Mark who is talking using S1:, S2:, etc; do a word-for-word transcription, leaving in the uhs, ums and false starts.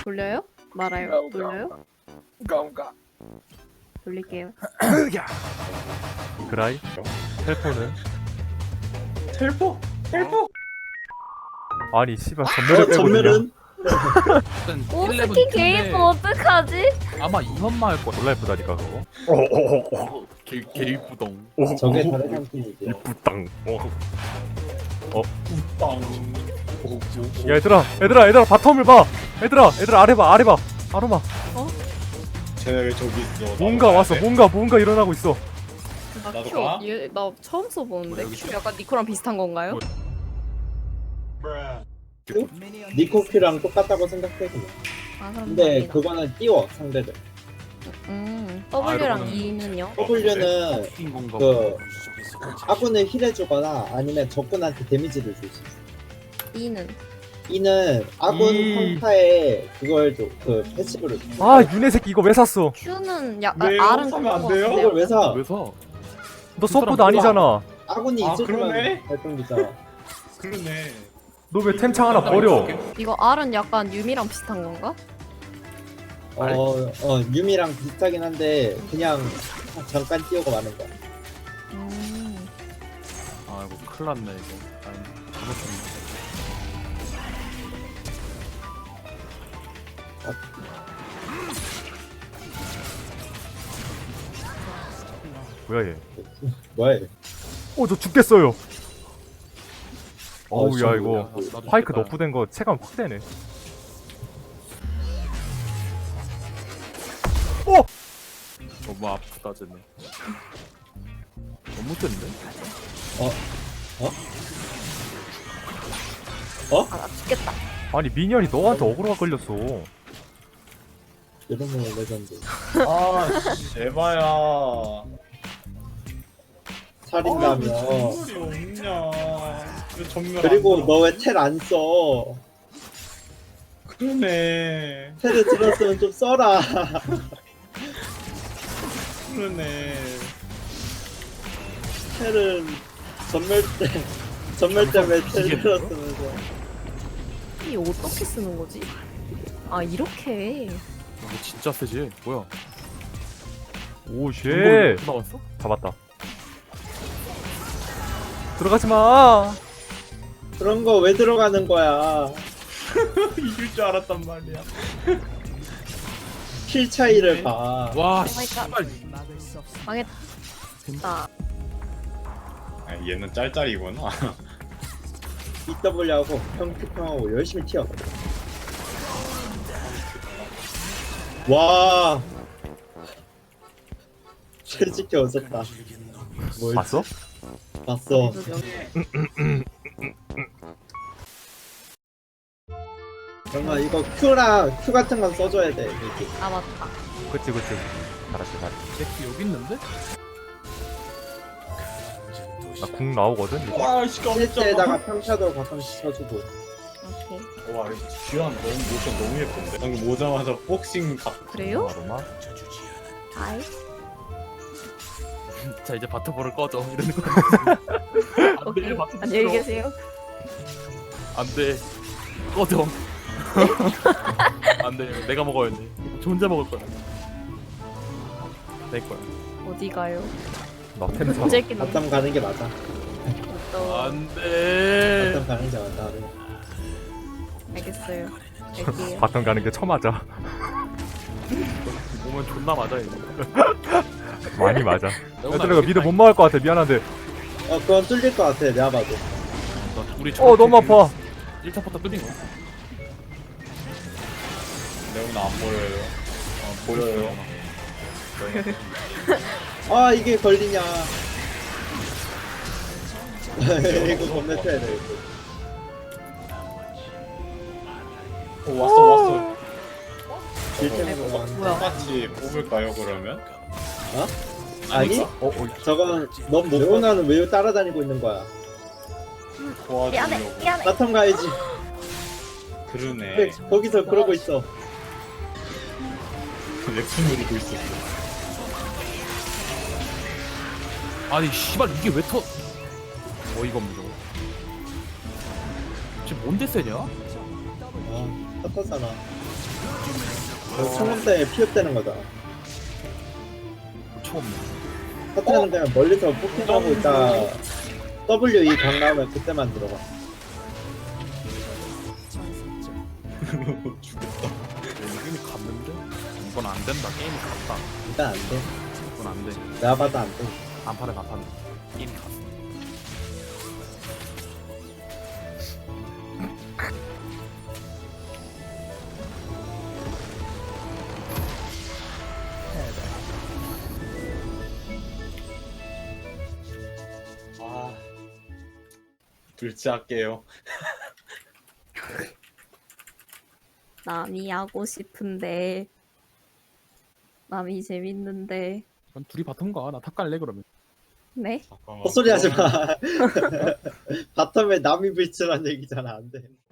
S1: 돌려요? 말아요. 돌려요?
S2: 가온가.
S1: 돌릴게요.
S3: 그라이? 텔포는?
S2: 텔포? 텔포?
S3: 아니 씨발 전멸을
S4: 어,
S3: 빼거든요.
S4: 전멸은
S5: 일단
S1: 오스킨 게임 어떡하지?
S5: 아마 이현마 할 거야.
S3: 졸라 예쁘다니까 그거.
S5: 어, 개 개이쁘덩.
S4: 저게 다른 한 팀이죠.
S3: 이쁘땅. 어.
S2: 빵.
S3: 야 얘들아 얘들아 얘들아 바텀을 봐. 얘들아 얘들아 아래 봐 아래 봐. 아로마.
S2: 쟤네 왜 저기 있어?
S3: 뭔가
S2: 나도
S3: 왔어
S2: 가야 돼?
S3: 뭔가 뭔가 일어나고 있어.
S1: 나
S2: 나도
S1: 큐,
S2: 가?
S1: 얘, 나 처음 써보는데
S5: 뭐야, 여기
S1: 큐 약간 니코랑 비슷한 건가요?
S4: 니코큐랑 똑같다고 생각해 그냥.
S1: 아 그럼
S4: 근데
S1: 다행이다.
S4: 그거는 띄워 상대를.
S1: 음
S5: 아,
S1: W랑
S5: 이러면은-
S1: E는요?
S4: W는
S5: 인 건가?
S4: 그 아군을 힐해주거나 아니면 적군한테 데미지를 줄 수 있어.
S1: E는
S4: E는 아군
S3: 이.
S4: 평타에 그걸 줘, 그 패시브를 줘.
S3: 아 윤혜 새끼 이거 왜 샀어?
S1: Q는 약간
S2: 왜요?
S1: R은
S2: 사면 안
S1: 그런 거
S2: 돼요?
S1: 같은데요?
S4: 그걸 왜 사?
S5: 왜 사?
S3: 너 서포트 아니잖아.
S4: 아군이
S2: 아,
S4: 있을 때만
S2: 그러네?
S4: 발동되잖아.
S2: 그러네.
S3: 너 왜 템창 하나 버려?
S1: 이거 R은 약간 유미랑 비슷한 건가?
S4: 어, 어 유미랑 비슷하긴 한데 그냥 잠깐 띄우고 마는 거야.
S1: 음
S5: 아 이거 큰일 났네 이거. 아니 잘못했네.
S3: 뭐야 얘?
S4: 뭐야? 얘?
S3: 어 저 죽겠어요. 어우
S4: 진짜
S3: 야 이거
S5: 나도- 나도
S3: 파이크
S5: 죽겠다.
S3: 너프된 거 체감 확 되네.
S5: 너무 아프다 쟤네. 너무 센데?
S1: 아 나 죽겠다.
S3: 아니 미니언이 너한테 어그로가 걸렸어.
S4: 이러면 레전드.
S2: 아, 씨, 에바야.
S4: 살인다며.
S2: 전멸이 없냐? 왜 전멸
S4: 그리고
S2: 안
S4: 너 왜 텔 안 써?
S2: 그러네.
S4: 텔을 들었으면 좀 써라.
S2: 그러네.
S4: 텔은 전멸 때 전멸 때문에 텔
S5: 이게
S4: 들었으면서.
S1: 이 어떻게 쓰는 거지? 아 이렇게
S5: 이거 진짜 세지? 뭐야?
S3: 오 쉣.
S5: 이거 나왔어?
S3: 잡았다. 들어가지 마.
S4: 그런 거 왜 들어가는 거야?
S2: 이길 줄 알았단 말이야.
S4: 킬 차이를 봐.
S5: 와
S1: 마이 갓.
S5: 씨발.
S1: 망했다.
S2: 아, 얘는 짤짤이구나.
S4: 이더블유하고 평특평하고 열심히 튀어. 와. 솔직히 웃었다. 뭘
S3: 봤어?
S4: 봤어.
S1: 그래도 여기
S4: 정말 이거 Q랑 Q 같은 건 써줘야 돼. 이렇게.
S1: 아 맞다.
S3: 그치 그치. 잘했어 잘했어.
S5: 새끼 여기 있는데?
S3: 나궁 나오거든. 이거.
S2: 와, 씨, 깜짝이야.
S4: 실제에다가 평차도 가끔씩 쳐주고.
S1: 오케이.
S2: 와, 귀한 너무 모션 너무 예쁜데. 방금 오자마자 복싱 각.
S1: 그래요?
S3: 아로마.
S1: 아이.
S5: 자 이제 바텀볼을 꺼져 이러는 거.
S1: 오케이. 안녕히 계세요.
S5: 안돼. 꺼져. 안돼. 내가 먹어야 돼. 저 혼자 먹을 거야. 내 거야.
S1: 어디 가요?
S3: 나템 사.
S1: 새끼는
S4: 바텀 가는 게 맞아.
S1: 또
S5: 안돼.
S4: 바텀 가는 게 맞아.
S1: 알겠어요. 갈게요.
S3: 바텀 가는 게 처맞아.
S5: 몸은 존나 맞아 이거.
S3: 많이 맞아.
S5: 너무
S3: 얘들아 이거 미드 못 막을 것 같아. 미안한데.
S4: 어 그건 뚫릴 것 같아. 내가 봐도.
S5: 우리
S3: 어 너무 아파.
S5: 일 차부터 뚫린 거.
S2: 레오나 안 보여요. 어, 보여요.
S4: 아 이게 걸리냐. 이거 겁내 쳐야 돼.
S2: 어, 왔어, 왔어.
S4: 질템으로 만
S1: 뭐야?
S2: 똑같이 뽑을까요, 그러면?
S4: 어? 아니?
S3: 어, 어
S4: 저건 넌 레오나는 왜 따라다니고 있는 거야?
S1: 미안해.
S2: 도와주려고.
S1: 미안해.
S4: 바텀 가야지.
S2: 그러네.
S4: 왜 거기서 그러고 있어?
S2: 랩트 누르고 있었어.
S5: 아니 씨발 이게 왜 터? 어이가 없네 저거. 지금 뭔데 세냐?
S4: 아, 탔었잖아. 총음 때문에 피흡되는 거잖아.
S5: 처음.
S4: 사태는 그냥 멀리서 포킹하고 있다. W E 강 나오면 그때만 들어가.
S2: 죽겠다.
S5: 게임이 갔는데? 이건 안 된다. 게임이 갔다.
S4: 일단 안 돼.
S5: 이건 안 돼.
S4: 내가 봐도 안 돼.
S5: 안판에 나판. 게임이 갔어.
S2: 아, 둘째 할게요.
S1: 남이 하고 싶은데 남이 재밌는데
S5: 난 둘이 바텀 가. 나 탑 갈래 그러면.
S1: 네?
S2: 잠깐만.
S4: 헛소리 하지 마. 바텀에 남이 불출한 얘기잖아. 안 돼.